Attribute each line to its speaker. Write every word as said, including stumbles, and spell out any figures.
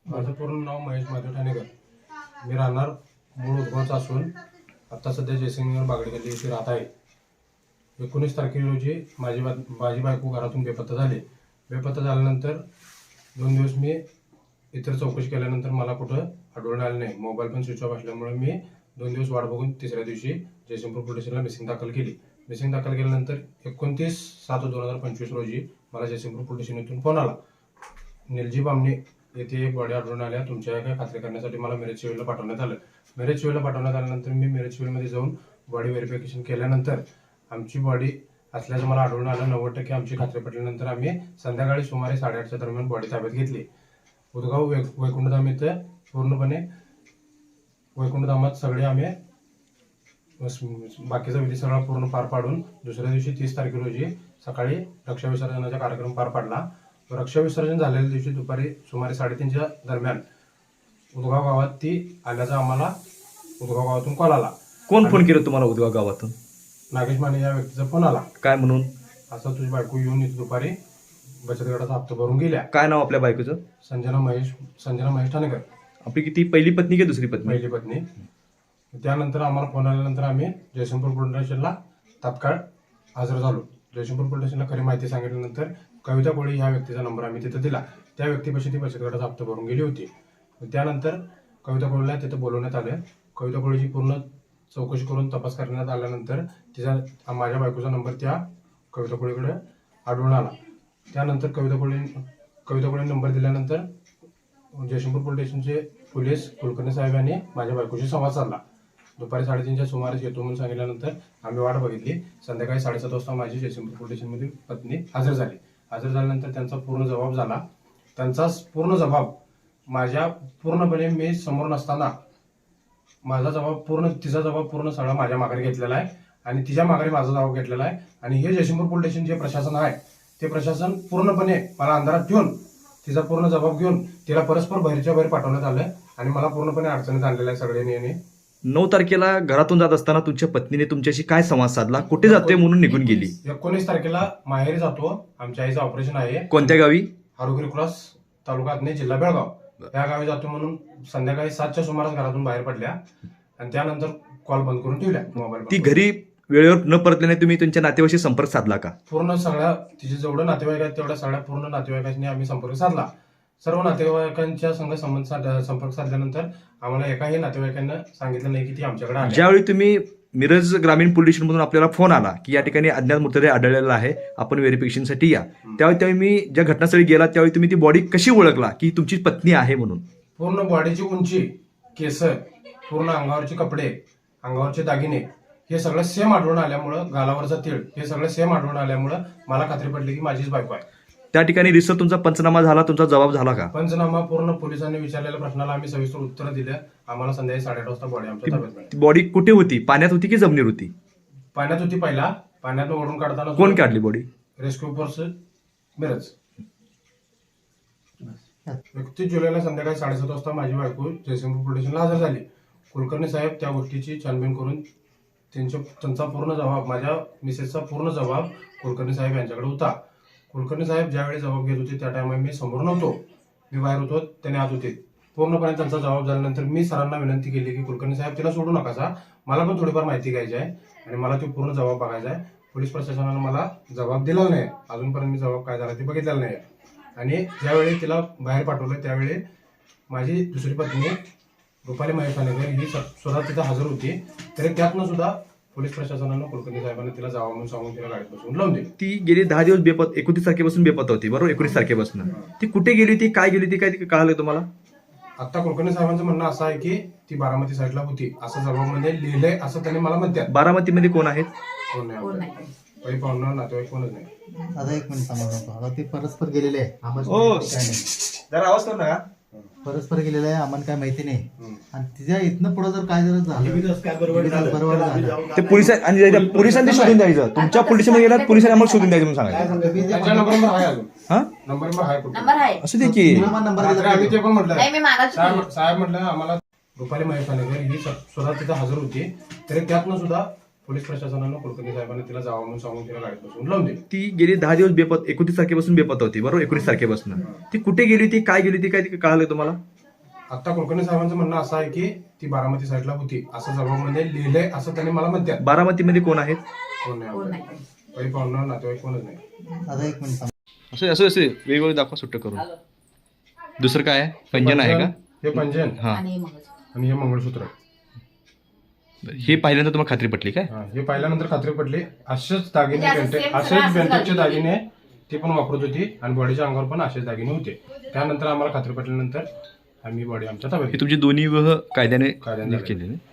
Speaker 1: माझं पूर्ण नाव महेश माधव ठाणेकर. मी राहणार मूळ उदगावचा असून आता सध्या जयसिंगनगर बागडी गल्ली येथे राहत आहे. एकोणीस तारखे रोजी माझी बा माझी बायको घरातून बेपत्ता झाली. बेपत्ता झाल्यानंतर दोन दिवस मी इतर चौकशी केल्यानंतर मला कुठं आढळून आलं नाही. मोबाईल पण स्विच ऑफ असल्यामुळे मी दोन दिवस वाट बघून तिसऱ्या दिवशी जयसिंगपूर पोलीस स्टेशनला मिसिंग दाखल केली. मिसिंग दाखल केल्यानंतर एकोणतीस सात दोन हजार पंचवीस रोजी मला जयसिंगपूर पोलीस स्टेशनतून फोन आला. निलजी बामणे येथे एक बॉडी आढळून आल्या, तुमच्या काय खात्री करण्यासाठी मला मिरज सिव्हिलला पाठवण्यात आलं. मिरज सिव्हिलला पाठवण्यात आल्यानंतर मी मिरज सिव्हिलमध्ये जाऊन बॉडी व्हेरिफिकेशन केल्यानंतर आमची बॉडी असल्याचं मला आढळून आलं. नव्वद टक्के आमची खात्री पटल्यानंतर आम्ही संध्याकाळी सुमारे साडेआठच्या दरम्यान बॉडी ताब्यात घेतली. उदगाव वै वैकुंठधाम इथं पूर्णपणे वैकुंठधामात सगळे आम्ही बाकीचा विधी सगळा पूर्ण पार पाडून दुसऱ्या दिवशी तीस तारखे रोजी सकाळी रक्षा विसर्जनाचा कार्यक्रम पार पाडला. रक्षा विसर्जन झालेल्या दिवशी दुपारी सुमारे साडेतीनच्या दरम्यान उदगाव गावात ती आल्याचा आम्हाला उदगाव गावातून कॉल आला.
Speaker 2: कोण फोन केलं तुम्हाला उदगाव गावातून?
Speaker 1: नागेश माने या व्यक्तीचा फोन आला.
Speaker 2: काय म्हणून?
Speaker 1: असं तुझी बायको येऊन इथे दुपारी बचत गटाचा हप्ता भरून गेल्या.
Speaker 2: काय नाव आपल्या बायकोचं?
Speaker 1: संजना महेश संजना महेश ठाणेकर.
Speaker 2: आपली किती पहिली पत्नी की दुसरी पत्नी?
Speaker 1: पहिली पत्नी. त्यानंतर आम्हाला फोन आल्यानंतर आम्ही जयसिंगपूर पोलीस स्टेशनला तात्काळ हजर झालो. जयसिंगपूर पोलीस स्टेशनला खरी माहिती सांगितल्यानंतर कविता कोळी ह्या व्यक्तीचा नंबर आम्ही तिथे दिला. त्या व्यक्तीपाशी ती बचत गटाचा हप्ता भरून गेली होती. त्यानंतर कविता कोळीला तिथे बोलवण्यात आलं. कविता कोळीची पूर्ण चौकशी करून तपास करण्यात आल्यानंतर तिचा माझ्या बायकोचा नंबर त्या कविता कोळीकडे आढळून आला. त्यानंतर कविता कोळी कविता कोळी नंबर दिल्यानंतर जयसिंगपूर पोलीस स्टेशनचे पोलीस कुलकर्णी साहेब यांनी माझ्या बायकोशी संवाद साधला. दुपारी साडेतीनच्या सुमारेस येतो म्हणून सांगितल्यानंतर आम्ही वाट बघितली. संध्याकाळी साडेसात वाजता माझी जयसिंगपूर पोलीस स्टेशनमध्ये पत्नी हजर झाली. हजर झाल्यानंतर त्यांचा पूर्ण जबाब झाला. त्यांचा पूर्ण जबाब माझ्या पूर्णपणे मी समोर नसताना माझा जबाब पूर्ण तिचा जबाब पूर्ण सगळा माझ्या माघारी घेतलेला आहे आणि तिच्या माघारी माझा जबाब घेतलेला आहे. आणि हे जयसिंगपूर पोलीस स्टेशन जे प्रशासन आहे ते प्रशासन पूर्णपणे मला अंधारात ठेवून तिचा पूर्ण जबाब घेऊन तिला परस्पर बाहेरच्या बाहेर पाठवण्यात आलं आणि मला पूर्णपणे अडचणीत आणलेलं आहे सगळ्यांनी. यांनी
Speaker 2: नऊ तारखेला घरातून जात असताना तुमच्या पत्नीने तुमच्याशी काय संवाद साधला? कुठे जाते म्हणून निघून गेली?
Speaker 1: एकोणीस तारखेला माहेरी जातो, आमच्या आईचं ऑपरेशन आहे.
Speaker 2: कोणत्या गावी?
Speaker 1: हारुगिरी क्रॉस, तालुका अथणी, जिल्हा बेळगाव या गावी जातो म्हणून संध्याकाळी सातच्या सुमारास घरातून बाहेर पडल्या आणि त्यानंतर कॉल बंद करून ठेवल्या मोबाईल.
Speaker 2: ती घरी वेळेवर न परतल्याने तुम्ही तुमच्या नातेवाईशी संपर्क साधला का?
Speaker 1: पूर्ण सगळ्या तिचे जेवढं नातेवाईक आहेत तेवढ्या सगळ्या पूर्ण नातेवाईकांनी आम्ही संपर्क साधला. सर्व नातेवाईकांच्या संघ संबंध संपर्क साधल्यानंतर आम्हाला एकाही नातेवाईकांना सांगितलं नाही की ती आमच्याकडे आली.
Speaker 2: ज्यावेळी तुम्ही मिरज ग्रामीण पोलीस स्टेशनमधून आपल्याला फोन आला की या ठिकाणी अज्ञात मृतदेह आढळलेला आहे, आपण व्हेरिफिकेशनसाठी या, त्यावेळी त्यावेळी मी ज्या घटनास्थळी गेला त्यावेळी तुम्ही ती बॉडी कशी ओळखला की तुमची पत्नी आहे म्हणून?
Speaker 1: पूर्ण बॉडीची उंची, केस, पूर्ण अंगावरचे कपडे, अंगावरचे दागिने हे सगळं सेम आढळून आल्यामुळं, गालावरचा तीळ हे सगळं सेम आढळून आल्यामुळं मला खात्री पडली की माझीच बायको आहे.
Speaker 2: त्या ठिकाणी रिसर तुमचा पंचनामा झाला, तुमचा जबाब झाला का?
Speaker 1: पंचनामा पूर्ण पोलिसांनी विचारलेल्या प्रश्नाला आम्ही सविस्तर उत्तर दिलं. आम्हाला संध्याकाळी साडेआठ वाजता बॉडी आमच्या ताब्यात मिळाली.
Speaker 2: बॉडी कुठे होती? पाण्यात होती की जमिनीवर होती?
Speaker 1: पाण्यात होती. पहिला पाण्यात ओढून काढताना
Speaker 2: कोण काढली बॉडी?
Speaker 1: Rescue force Miraj. एकतीस जुलैला संध्याकाळी साडेसात वाजता माझी बायको जयसिंगपूर पोलीस स्टेशनला हजर झाली. कुलकर्णी साहेब त्या गोष्टीची छानबीन करून त्यांच्या त्यांचा पूर्ण जबाब, माझ्या मिसेसचा पूर्ण जबाब कुलकर्णी साहेब यांच्याकडे होता. कुलकर्णी साहेब ज्यावेळी जबाब घेत होते त्या टायमा मी समोर नव्हतो, मी बाहेर होतो, त्याने आत होते. पूर्णपणे त्यांचा जबाब झाल्यानंतर मी सरांना विनंती केली की कुलकर्णी साहेब तिला सोडू नका, मला पण थोडीफार माहिती घ्यायची आहे आणि मला तो पूर्ण जबाब बघायचा आहे. पोलीस प्रशासनानं मला जबाब दिला नाही, अजूनपर्यंत मी जबाब काय झाला ते बघितलेला नाही. आणि ज्यावेळी तिला बाहेर पाठवलं त्यावेळी माझी दुसरी पत्नी रुपाली महेश ठाणेकर ही सुद्धा तिथं हजर होती. तरी त्यातनं सुद्धा पोलीस प्रशासनानं कुलकर्णी साहेबांना तिला जावं म्हणून सांगून तिला गाडीत बसवून लावून दिली.
Speaker 2: ती गेली दहा दिवस बेपत एकोणतीस तारखेपासून बेपत्ता होती, बरोबर? एकोणीस तारखेपासून ती कुठे गेली होती, काय गेली होती, काय कळालं तुम्हाला?
Speaker 1: आता कुलकर्णी साहेबांचं म्हणणं असं आहे की ती बारामती साईडला होती असं जबाबमध्ये लिहिलंय असं त्यांनी मला म्हणतात.
Speaker 2: बारामतीमध्ये कोण आहेत?
Speaker 1: कोण नाही, काही पाहुणं नातेवाईक कोणच नाही.
Speaker 3: आता एक मिनिट सांगा नको. आता ते परस्पर गेलेले आहे, आम्हाला
Speaker 2: हो.
Speaker 3: काय नाही.
Speaker 2: जरा आवाज करू नका.
Speaker 3: परस्पर गेलेलं आहे, आम्हाला काय माहिती नाही. आणि तिच्या इथनं पुढे जर काय जर झालं
Speaker 4: काय बरोबर झालं
Speaker 3: बरोबर
Speaker 4: तर आम्ही
Speaker 3: झालं.
Speaker 4: जाऊन
Speaker 2: ते पोलिसां आणि त्या पोलिसांनी शोधून द्यायचं. तुमच्या पोलीस मध्ये गेलात, पोलिसांनी आम्हाला शोधून द्यायचं म्हणून
Speaker 4: काय
Speaker 2: सांगायचं.
Speaker 4: सांगतो?
Speaker 1: त्यांच्या नंबर आहे अजून,
Speaker 2: हा
Speaker 1: नंबर आहे कुठे
Speaker 5: नंबर आहे.
Speaker 2: असू दे की.
Speaker 3: तुला मला नंबर
Speaker 1: रात्री
Speaker 3: दिला
Speaker 1: आम्ही ते
Speaker 3: पाहिजे.
Speaker 1: पण म्हटलं
Speaker 5: नाही मी मागाच
Speaker 1: साहेब साहेब म्हटलं आम्हाला रुपाली महेश ठाणेकर ही सुद्धा तिथं हजर होती. तरी त्यातनं सुद्धा पोलीस प्रशासनानं कुलकर्णी साहेबांना तिला जावं म्हणून सांगून तिला गाडीत बसवून लावून दिली.
Speaker 2: ती गेली दहा दिवस बेपत एकोणतीस तारखेपासून बेपत्ता होती, बरोबर? एकोणीस तारखेपासून ती कुठे गेली होती, काय गेली होती, काय कळालं तुम्हाला?
Speaker 1: आता कुलकर्णी साहेबांचं म्हणणं असं आहे की ती बारामती साईडला होती असं जबाबमध्ये लिहिलंय असं त्यांनी मला म्हणतात.
Speaker 2: बारामतीमध्ये कोण आहेत?
Speaker 1: कोण नाही काही पाहुणं नातेवाईक कोणच नाही.
Speaker 3: आता एक मिनिट थांब.
Speaker 2: असं असं असं वेगवेगळे दाखवा सुट्ट करून. दुसरं काय आहे? पंजन आहे का?
Speaker 1: हे पंजन
Speaker 2: हां,
Speaker 1: आणि हे मंगळसूत्र.
Speaker 2: हे पाहिल्यानंतर तुम्हाला खात्री पटली काय?
Speaker 1: हा, हे पाहिल्यानंतर खात्री पडली. असेच दागिने बेंटेक असेच बेंटेकचे दागिने ती पण वापरत होती आणि बॉडीच्या अंगावर पण असेच दागिने होते. त्यानंतर आम्हाला खात्री पटल्यानंतर आम्ही बॉडी आमच्या ताब्यात
Speaker 2: हे तुमची दोन्ही विवाह कायद्याने
Speaker 1: कायद्याने
Speaker 2: केलेले.